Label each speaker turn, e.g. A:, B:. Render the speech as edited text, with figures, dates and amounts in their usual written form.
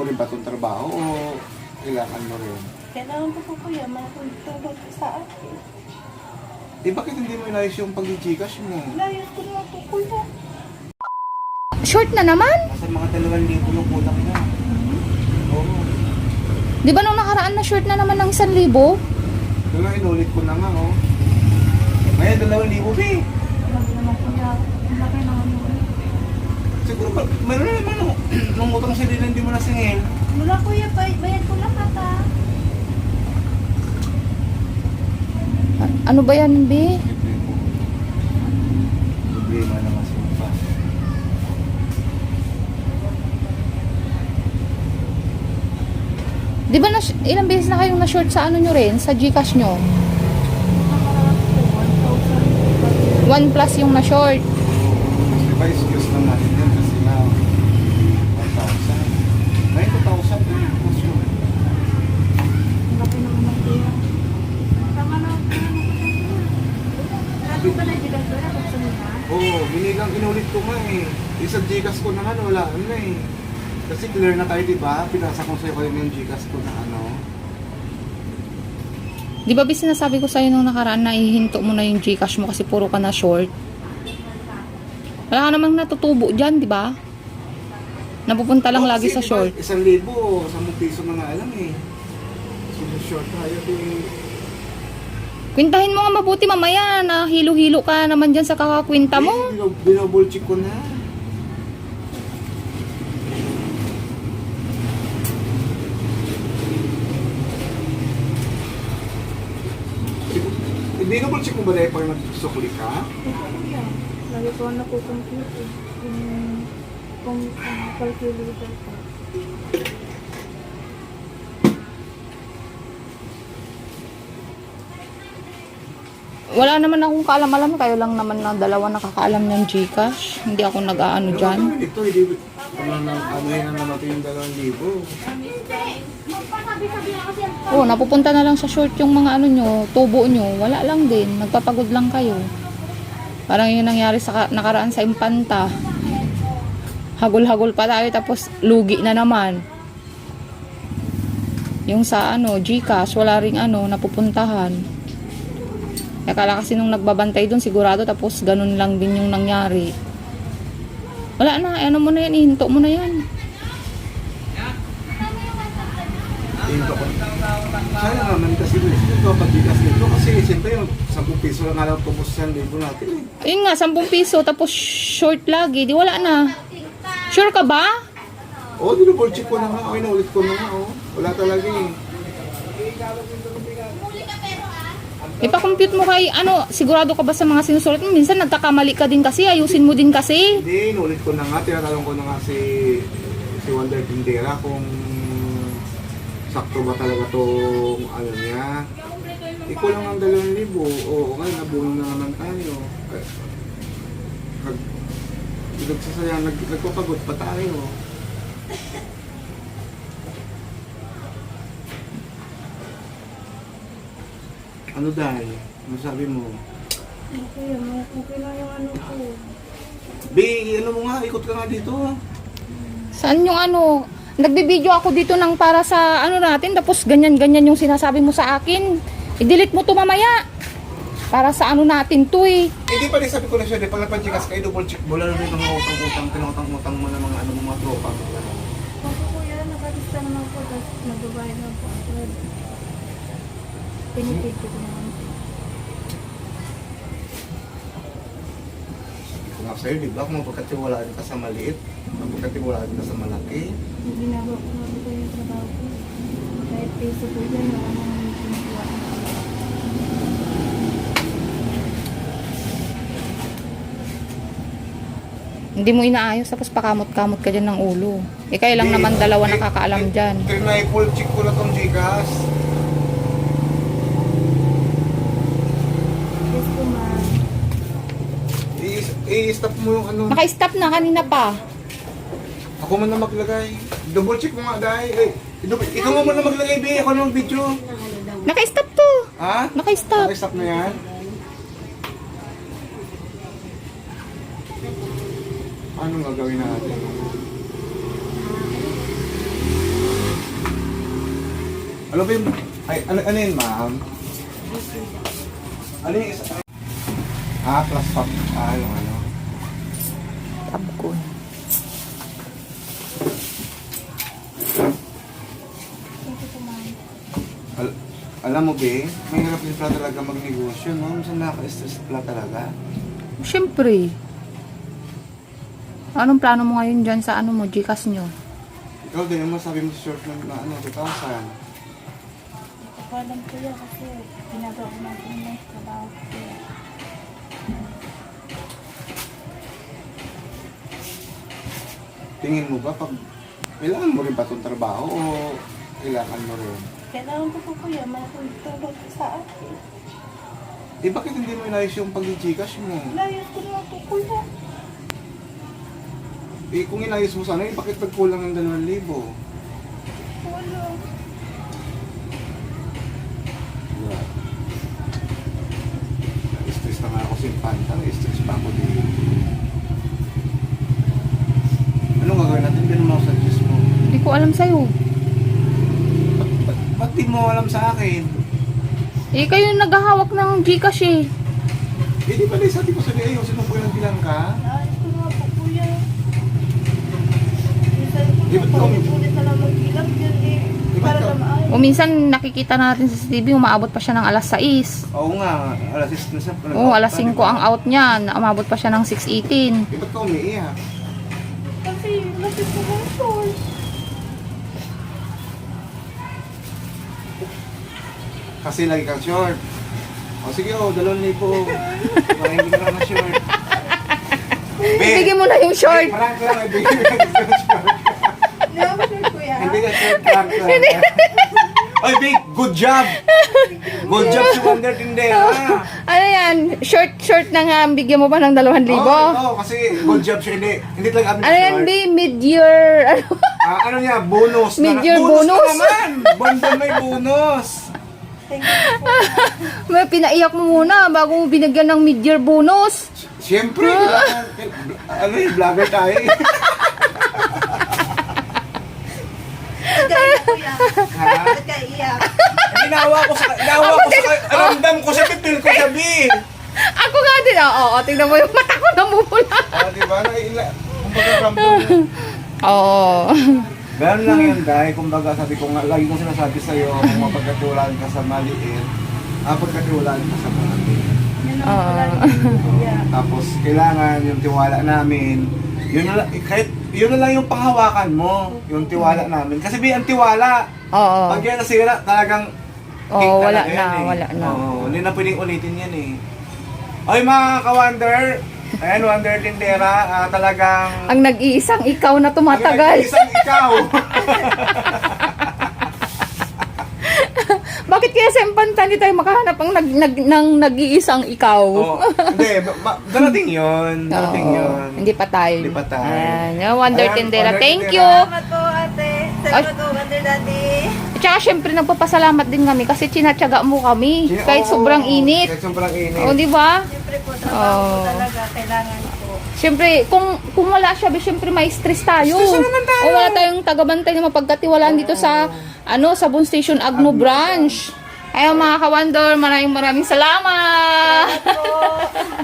A: mo rin ba itong trabaho o kailangan mo rin?
B: Kailangan ko po kuya, matutulog sa akin.
A: Eh bakit hindi mo inayos yung pag-Gcash mo?
B: Layas ko na po kuya.
C: Short na naman?
A: Nasa mga 2,000 yung kulang na. Oo.
C: Di ba nung nakaraan na short na naman ng 1,000?
A: Kaya inulit ko na nga, oh. Ngayon, 2,000, be.
B: Wala naman kuya. Ang laki naman yun.
A: Siguro ba, meron na naman, oh. Nung utang sila na hindi mo nasingil.
B: Wala kuya, bayad ko lahat ha.
C: Ano ba yan, B?
A: Problema na kasi pa.
C: Di ba ilang beses na kayong na-short sa ano nyo rin? Sa Gcash nyo?
B: Nakaraan po, 1,000.
C: 1 plus yung na-short.
A: Mas di ba, excuse lang natin yan kasi nga, 1,000. Ngayon, 2,000 din yung cost yun.
B: Ang laki naman kuya. Tama na ako. Lagi ba na gilang kuya? Buksan mo na?
A: Oo, inulit ko nga eh. Isang Gcash ko na nga, wala na eh. Kasi clear na tayo, di ba? Pinasa ko sa'yo kayo yung Gcash ko na ano.
C: Di ba sinasabi ko sa'yo nung nakaraan na ihinto mo na yung Gcash mo kasi puro ka na short? Wala ka namang natutubo dyan, di ba? Napupunta lang lagi sa short.
A: 1,000, 10 piso na nga alam eh. So, short tayo eh.
C: Kwintahin mo nga mabuti mamaya na hilo-hilo ka naman dyan sa kakakwinta mo.
A: Binobol check ko na. Binobol check mo ba dahil pag nagsukli ka?
B: Kuya, lagi ko na po computer. Kung calculator ko.
C: Wala naman akong kaalam-alam. Kayo lang naman na dalawa nakakaalam ng Gcash. Hindi ako nag-aano dyan.
A: Ito, hindi. Ano yan na naman yung 2,000.
C: Oo, napupunta na lang sa short yung mga ano nyo, tubo nyo. Wala lang din. Nagpapagod lang kayo. Parang yung nangyari sa nakaraan sa Impanta. Hagol-hagol pa tayo tapos lugi na naman. Yung sa ano, Gcash, wala ring ano, napupuntahan. Akala kasi nung nagbabantay doon sigurado tapos ganun lang din yung nangyari. Wala na, ano mo na yan, ihinto mo na yan.
A: Sana naman kasi ito pag-Gcash nito kasi siyempre yung 10 piso lang alam tubos sa libo natin eh.
C: Ayun nga, 10 piso tapos short lagi, di wala na. Sure ka ba?
A: Oo, dinubol check ko na nga. Okay, naulit ko na nga. Oh. Wala talaga eh.
C: Ipa-compute mo kay, ano, sigurado ka ba sa mga sinusulat mo? Minsan nagkakamali ka din kasi, ayusin mo din kasi.
A: Hindi, inulit ko na nga. Tinatanong ko na nga si Wonder Tindera kung sakto ba talaga tong ano niya. Ikaw lang ang 2,000. Oo, ngayon nabuno na naman tayo. Nagpapagod pa tayo. Ano dahil? Ano sabi mo?
B: Okay, okay lang yung ano ko.
A: Ano mo nga, ikot ka nga dito.
C: Saan yung ano? Nagbibideo ako dito ng para sa ano natin, tapos ganyan-ganyan yung sinasabi mo sa akin. I-delete mo to mamaya. Para sa ano natin to eh.
A: Hindi pa rin sabi ko na siya, pag napanchikas kayo, double check mo, lalo rin mga utang-utang, pinutang-utang mo ng mga ano mga tropa.
B: Ako kuya, nakalista naman po, tapos nagbabayad na po ako. Pinipid ko naman.
A: Kung nga sa'yo, di ba? Kung mapagkatiwalaan ka sa maliit, mapagkatiwalaan ka sa malaki.
B: Yung ginagawa ko naman po yung trabaho ko. Kahit peso po yan, wala naman ginagawa.
C: Hindi mo inaayos tapos pakamot-kamot ka dyan ng ulo. Eh kayo lang naman dalawa nakakaalam dyan.
A: Trinipol check ko na tong Gcash.
B: Yes po ma'am.
A: I-stop mo yung ano.
C: Naka-stop na kanina pa.
A: Ako man na maglagay. Double check mo nga dahil. Ikaw mo na maglagay, be. Ako nung video.
C: Naka-stop to.
A: Ha?
C: Naka-stop.
A: Naka-stop na yan? Anong gagawin natin? Ano ba yung... Ay, ano yun, ma'am? Ano yung isa? Plus pop. Ano?
C: Tabkon.
A: Alam mo, be, may hirap din pala talaga magnegosyo, no? Minsan nakaka-stress pala talaga.
C: Siyempre. Anong plano mo ngayon dyan sa ano mo, Gcash nyo?
A: Ikaw din, ano sabi mo sa short na 2,000?
B: Alam ko yan kasi ginagawa ko natin yung trabaho ko.
A: Tingin mo ba, pag kailangan mo rin ba itong trabaho o kailangan mo rin?
B: Kailangan ko po kuya, makakulog sa akin.
A: Eh, bakit hindi mo inayos yung pag-Gcash mo?
B: Layas ko na po kuya.
A: Eh, kung inayos mo sana, eh, bakit nagkulang ng 2,000?
B: Wala.
A: Na-stress na nga ako sa Infanta, na-stress pa ako din. Anong gagawin natin? Hindi naman ako sa Diyos mo.
C: Hindi ko alam sa'yo.
A: Ba't di mo alam sa akin?
C: Eh, kayo yung naghahawak ng Gcash eh.
A: Eh, di ba na sabi ko sa iyo, ayusin mo po yung bilang ka?
B: Layas ko na po kuya. Minsan
A: Di ba't
B: po,
A: kami-
B: ulit na lang mag-ilang yun eh.
A: Di ba't
B: Para
A: ka-
B: na maayos.
C: O minsan nakikita natin sa CCTV, umaabot pa siya ng alas 6.
A: Oo nga, alas 6 na siya.
C: Oo, alas 5 ang out niya. Umabot pa siya ng 6:18.
A: Eh, ba't ka umiiyak?
B: Kasi lapit ko ng short.
A: Kasi lagi kang short. O sige, 2,000 po. Baka hindi ka na short.
C: Bigyan mo na yung short.
A: Prank lang, eh, bigyan mo na yung short.
B: Never kuya.
A: Hindi ka short, prank lang. Oy, Big, good job! Good job si Wonder Tindera.
C: Ano yan? Short na nga. Bigyan mo pa ng 2,000.
A: Oo, kasi good job siya. Hindi talaga kami
C: Ano yan,
A: short.
C: B? Mid-year. Ano?
A: Ano niya, bonus.
C: Mid-year
A: bonus.
C: bonus.
A: Na naman! Buwan-buwan may bonus.
B: Thank you po.
C: May pinaiyak mo muna bago mo binigyan ng mid-year bonus.
A: Siyempre, kailangan, ano yung vlogger tayo eh.
B: Gaya kuya.
A: Ha?
B: Ba't ka iyak?
A: Ginawa ko sa, ramdam ko sa pipil ko sabi.
C: Ako nga din. Oo, tingnan mo yung mata ko namumula.
A: Diba? Kumbaga ramdam mo.
C: Oo.
A: Ganun lang yun, dahil kumbaga sabi ko nga, lagi kong sinasabi sa'yo, kung mapagkatulan ka sa maliit, pagkatulan ka sa maliit.
B: Yan ang wala rin kuya.
A: Tapos kailangan yung tiwala namin, yun na lang, kahit yun na lang yung panghawakan mo, yung tiwala namin. Kasi ang tiwala,
C: Oo.
A: pag yan nasira, talagang
C: Oo, wala
A: talaga
C: na,
A: yan eh.
C: wala na.
A: Oo, hindi na pwedeng ulitin yan eh. Oy mga ka-Wonder, ayan, Wonder Tindera, talagang...
C: Ang nag-iisang ikaw na tumatagal.
A: Isang ikaw.
C: Bakit kaya sa Impanta hindi tayo makahanap ng nag-iisang ikaw?
A: Oo, hindi, darating yun. Darating
C: Oo,
A: yun.
C: hindi pa tayo.
A: Hindi pa tayo.
C: Ayan, Wonder
A: Ayan,
C: Tindera.
A: Wonder
C: Thank
A: Tindera.
C: you.
B: Salamat po ate. Salamat po Wonder Daddy.
C: At saka syempre nagpapasalamat din kami kasi tinatyaga mo kami. Kahit
A: Oo,
C: sobrang init.
A: Kahit sobrang init.
C: O, di ba?
B: Siyempre po, trabaho
C: Oo.
B: ko talaga. Kailangan po.
C: Siyempre, kung wala siya, syempre may stress tayo.
A: Stress naman tayo.
C: O wala tayong tagabantay na mapagkatiwalaan dito sa Sabon Station Agno Branch. Ayun mga ka-Wonder, maraming salamat!
B: Po.